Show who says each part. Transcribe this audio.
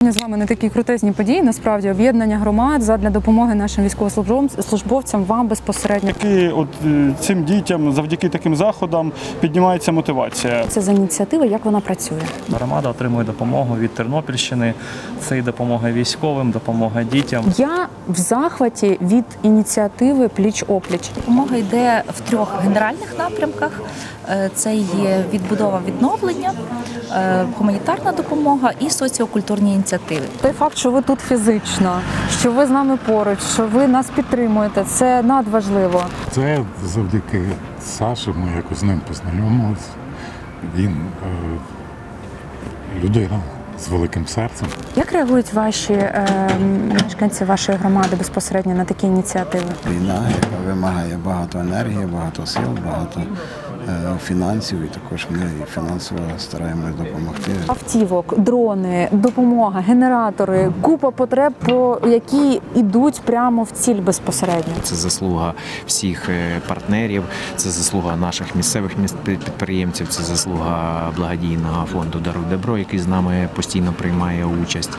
Speaker 1: сьогодні з вами на такій крутезній події, насправді, об'єднання громад задля допомоги нашим військовослужбовцям, вам безпосередньо.
Speaker 2: Цим дітям завдяки таким заходам піднімається мотивація.
Speaker 1: Це за ініціатива, як вона працює?
Speaker 3: Громада отримує допомогу від Тернопільщини. Це і допомога військовим, допомога дітям.
Speaker 1: Я в захваті від ініціативи «Пліч-опліч».
Speaker 4: Допомога йде в 3 генеральних напрямках. Це є відбудова відновлення, гуманітарна допомога і соціокультурні ініціативи.
Speaker 1: Той факт, що ви тут фізично, що ви з нами поруч, що ви нас підтримуєте, це надважливо.
Speaker 5: Це завдяки Саші, ми якось з ним познайомилися. Він людина з великим серцем.
Speaker 1: Як реагують ваші мешканці вашої громади безпосередньо на такі ініціативи?
Speaker 6: Війна, яка вимагає багато енергії, багато сил, багато фінансів, і також ми фінансово стараємось допомогти.
Speaker 1: Автівок, дрони, допомога, генератори, купа потреб, які йдуть прямо в ціль безпосередньо.
Speaker 7: Це заслуга всіх партнерів, це заслуга наших місцевих підприємців, це заслуга благодійного фонду «Даруй добро», який з нами постійно приймає участь.